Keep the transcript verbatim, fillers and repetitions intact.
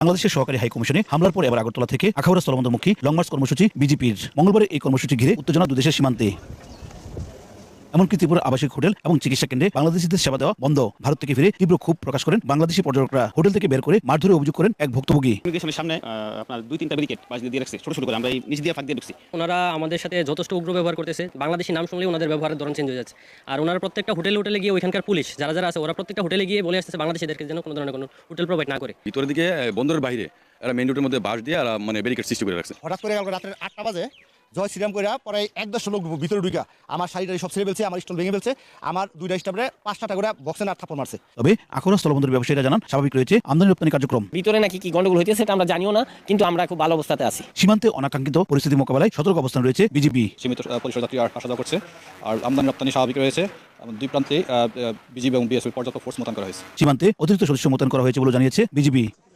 বাংলাদেশের সহকারী হাই কমিশনে হামলার পর এবার আগরতলা থেকে আখাউড়া স্থলবন্দরমুখী লং মার্চ কর্মসূচি বিজেপির। মঙ্গলবার এই কর্মসূচি ঘিরে উত্তেজনা দুদেশের সীমান্তে। এমনকি ত্রিপুরা আবাসিক হোটেল এবং চিকিৎসা কেন্দ্রে বাংলাদেশিদের সেবা দেওয়া বন্ধ। ভারত থেকে ফিরে তীব্র ক্ষোভ প্রকাশ করেন বাংলাদেশি পর্যটকরা। হোটেল থেকে বের করে মারধরে অভিযোগ করেন এক ভুক্তভোগী। সামনে আপনার দুই তিনটা ব্যারিকেড বাজ দিয়ে রাখছে, ছোট ছোট করে আমরা এই নিচ দিয়ে ফাঁক দিয়ে ঢুকছি। ওনারা আমাদের সাথে যথেষ্ট উগ্র ব্যবহার করতেছে। বাংলাদেশি নাম শুনলেই ওনাদের ব্যবহারের ধরন চেঞ্জ হয়ে যাচ্ছে। আর ওনারা প্রত্যেকটা হোটেলে হোটেলে গিয়ে ওইখানকার পুলিশ যারা যারা আছে ওরা প্রত্যেকটা হোটেলে গিয়ে বলে আসছে বাংলাদেশিদেরকে যেন কোনো ধরনের কোনো হোটেল প্রোভাইড না করে। ভিতরের দিকে বন্দরের বাইরে এরা মেইন রোডের মধ্যে বাস দিয়ে আর মানে ব্যারিকেড সৃষ্টি করে রাখছে। হঠাৎ করে কালকে রাত্রে আটটা বাজে জয় শ্রীরাম করে পরে এক দশটা লোক ভিতরে ঢুকা আমার শাড়িটা সব ছেড়ে ফেলছে, আমার স্টল ভেঙে ফেলছে, আমার দুইটা স্টাফে পাঁচটা টাকা করে বক্সে না থাপ্পড় মারছে। তবে আখাউড়া স্থলবন্দর ব্যবসায়ীরা জানান স্বাভাবিক রয়েছে আমদানি রপ্তানি কার্যক্রম। ভিতরে নাকি কি গন্ডগোল হইতেছে সেটা আমরা জানিও না, কিন্তু আমরা খুব ভালো অবস্থাতে আছি। সীমান্তে অনাকাঙ্ক্ষিত পরিস্থিতি মোকাবেলায় সতর্ক অবস্থান রয়েছে বিজেপি। সীমিত পরিসর যাত্রী আসা যাওয়া করছে আর আমদানি রপ্তানি স্বাভাবিক রয়েছে। দুই প্রান্তে বিজিবি এবং বিএসএফ পর্যাপ্ত ফোর্স মোতায়েন করা হয়েছে। সীমান্তে অতিরিক্ত সদস্য মোতায়েন করা হয়েছে বলে জানিয়েছে বিজেপি।